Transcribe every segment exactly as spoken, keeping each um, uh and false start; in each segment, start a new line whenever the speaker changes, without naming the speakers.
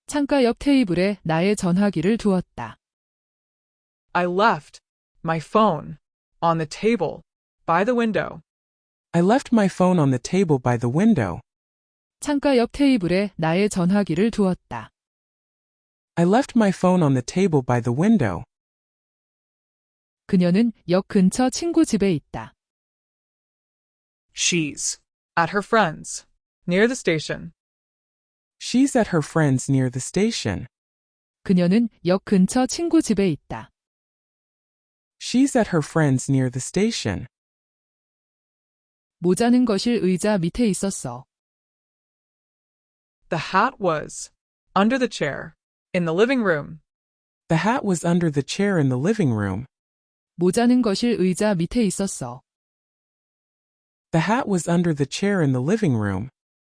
창가 옆 테이블에 나의 전화기를 두었다.
I left my phone on the table by the window.
I left my phone on the table by the window.
창가 옆 테이블에 나의 전화기를 두었다.
I left my phone on the table by the window.
그녀는 역 근처 친구 집에 있다.
She's at her friend's near the station.
She's at her friend's near the station.
그녀는 역 근처 친구 집에 있다.
She's at her friend's near the station.
모자는 거실 의자 밑에 있었어.
The hat was under the chair in the living room.
The hat was under the chair in the living room.
모자는 거실 의자 밑에 있었어.
The hat was under the chair in the living room.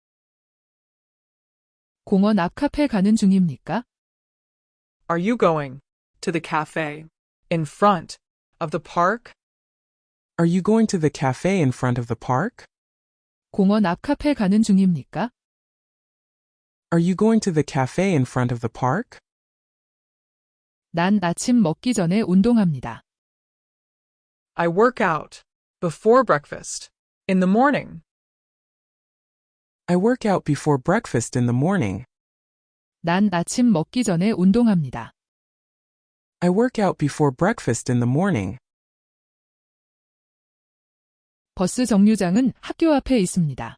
공원 앞 카페 가는 중입니까?
Are you going to the cafe in front of the park?
Are you going to the cafe in front of the park?
공원 앞 카페 가는 중입니까?
Are you going to the cafe in front of the park?
난 아침 먹기 전에 운동합니다.
I work out before breakfast in the morning.
I work out before breakfast in the morning.
난 아침 먹기 전에 운동합니다.
I work out before breakfast in the morning.
버스 정류장은 학교 앞에 있습니다.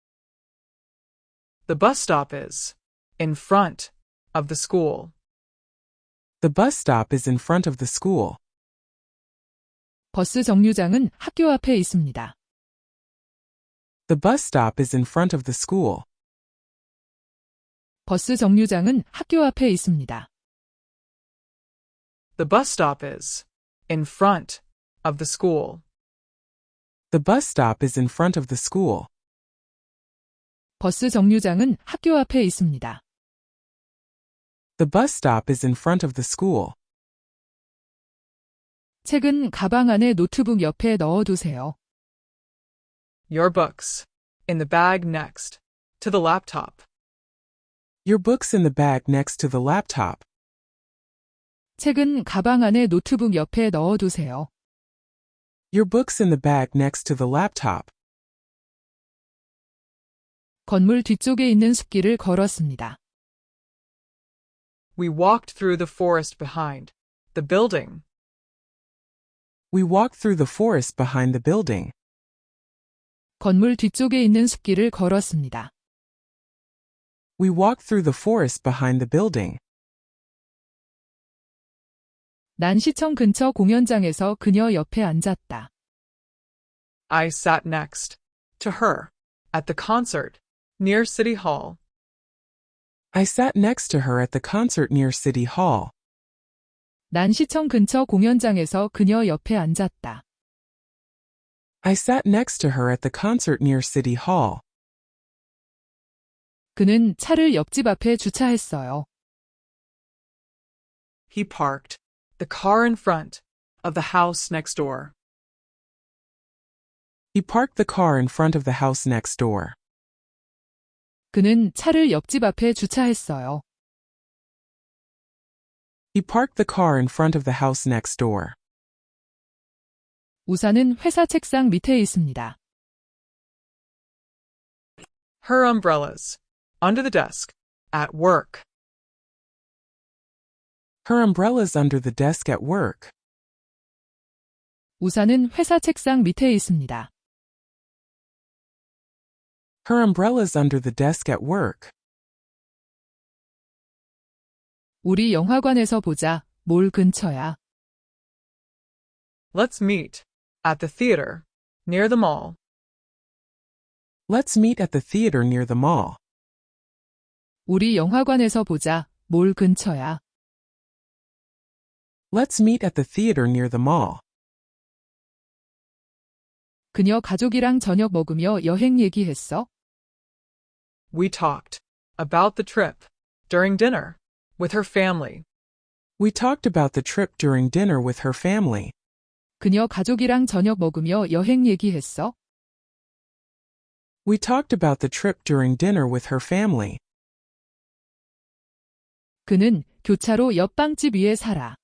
The bus stop is in front of the school.
The bus stop is in front of the school.
버스 정류장은 학교 앞에 있습니다.
The bus stop is in front of the school.
버스 정류장은 학교 앞에 있습니다.
The bus stop is in front of the school.
The bus stop is in front of the school.
버스 정류장은 학교 앞에 있습니다.
The bus stop is in front of the school.
책은 가방 안에 노트북 옆에 넣어두세요.
Your books in the bag next to the laptop.
Your books in the bag next to the laptop.
책은 가방 안에 노트북 옆에 넣어두세요.
Your books in the bag next to the laptop.
건물 뒤쪽에 있는 숲길을 걸었습니다.
We walked through the forest behind the building.
We walked through the forest behind the building.
건물 뒤쪽에 있는 숲길을 걸었습니다.
We walked through the forest behind the building.
난 시청 근처 공연장에서 그녀 옆에 앉았다.
I sat next to her at the concert near City Hall.
I sat next to her at the concert near City Hall.
난 시청 근처 공연장에서 그녀 옆에 앉았다.
I sat next to her at the concert near City Hall.
그는 차를 옆집 앞에 주차했어요.
He parked the car in front of the house next door.
He parked the car in front of the house next door.
그는 차를 옆집 앞에 주차했어요.
He parked the car in front of the house next door.
우산은 회사 책상 밑에 있습니다.
Her umbrellas under the desk at work.
Her umbrella's under the desk at work.
우산은 회사 책상 밑에 있습니다.
Her umbrella's under the desk at work.
우리 영화관에서 보자. 몰 근처야.
Let's meet at the theater near the mall.
Let's meet at the theater near the mall.
우리 영화관에서 보자. 몰 근처야.
Let's meet at the theater near the mall.
그녀 가족이랑 저녁 먹으며 여행 얘기했어?
We talked about the trip during dinner with her family.
We talked about the trip during dinner with her family.
그녀 가족이랑 저녁 먹으며 여행 얘기했어?
We talked about the trip during dinner with her family.
그는 교차로 옆 빵집 위에 살아.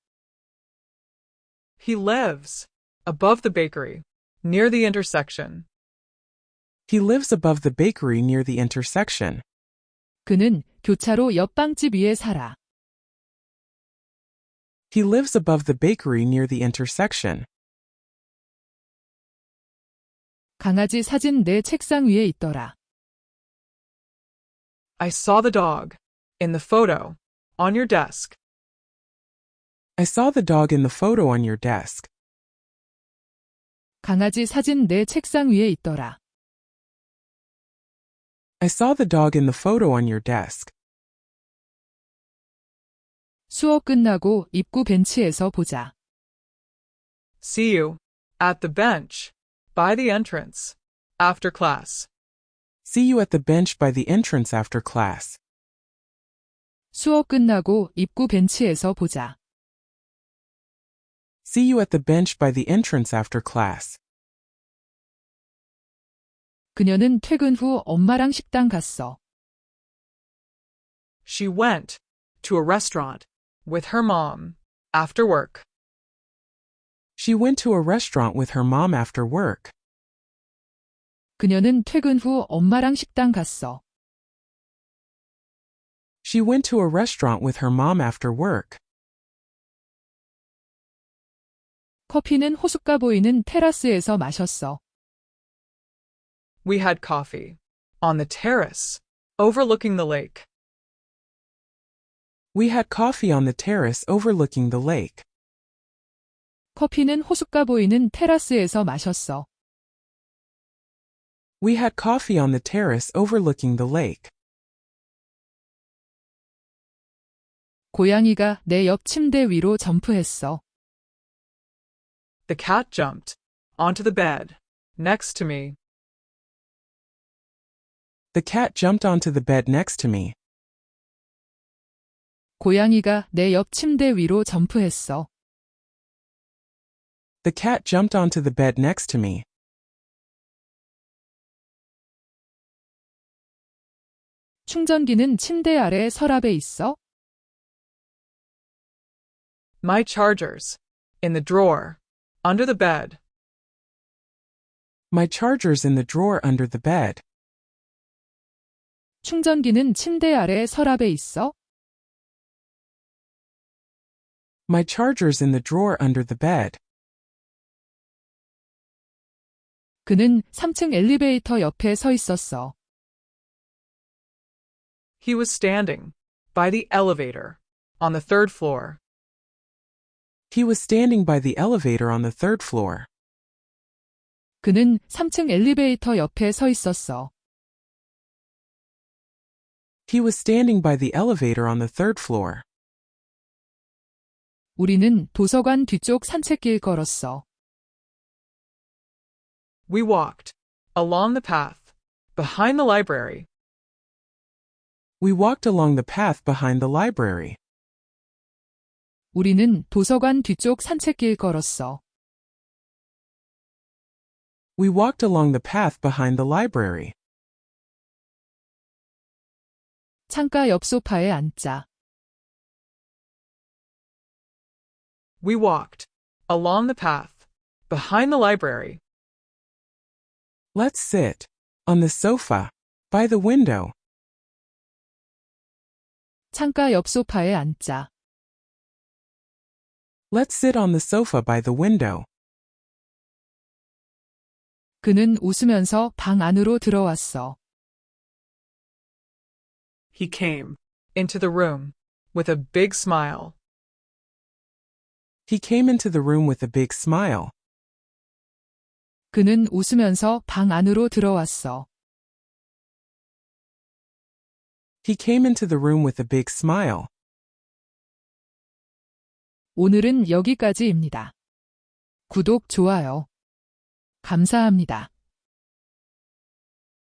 He lives above the bakery, near the intersection.
He lives above the bakery near the intersection.
그는 교차로 옆 빵집 위에 살아.
He lives above the bakery near the intersection.
강아지 사진 내 책상 위에 있더라.
I saw the dog in the photo on your desk.
I saw the dog in the photo on your desk.
강아지 사진 내 책상 위에 있더라.
I saw the dog in the photo on your desk.
수업 끝나고 입구 벤치에서 보자.
See you at the bench by the entrance after class.
See you at the bench by the entrance after class.
수업 끝나고 입구 벤치에서 보자.
See you at the bench by the entrance after class.
그녀는 퇴근 후 엄마랑 식당 갔어.
She went to a restaurant with her mom after work.
She went to a restaurant with her mom after work.
그녀는 퇴근 후 엄마랑 식당 갔어.
She went to a restaurant with her mom after work.
커피는 호숫가 보이는 테라스에서 마셨어.
We had coffee on the terrace overlooking the lake.
We had coffee on the terrace overlooking the lake.
커피는 호숫가 보이는 테라스에서 마셨어.
We had coffee on the terrace overlooking the lake.
고양이가 내 옆 침대 위로 점프했어.
The cat jumped onto the bed next to me.
The cat jumped onto the bed next to me.
고양이가 내 옆 침대 위로 점프했어.
The cat jumped onto the bed next to me.
충전기는 침대 아래 서랍에 있어?
My chargers in the drawer under the bed.
My charger's in the drawer under the bed.
충전기는 침대 아래 서랍에 있어?
My charger's in the drawer under the bed.
그는 삼 층 엘리베이터 옆에 서 있었어.
He was standing by the elevator on the third floor.
He was standing by the elevator on the third floor.
그는 삼 층 엘리베이터 옆에 서 있었어.
He was standing by the elevator on the third floor.
우리는 도서관 뒤쪽 산책길 걸었어.
We walked along the path behind the library.
We walked along the path behind the library.
우리는 도서관 뒤쪽 산책길 걸었어.
We walked along the path behind the library.
창가 옆 소파에 앉자.
We walked along the path behind the library.
Let's sit on the sofa by the window.
창가 옆 소파에 앉자.
Let's sit on the sofa by the window.
그는 웃으면서 방 안으로 들어왔어.
He came into the room with a big smile.
He came into the room with a big smile.
그는 웃으면서 방 안으로 들어왔어.
He came into the room with a big smile.
오늘은 여기까지입니다. 구독, 좋아요. 감사합니다.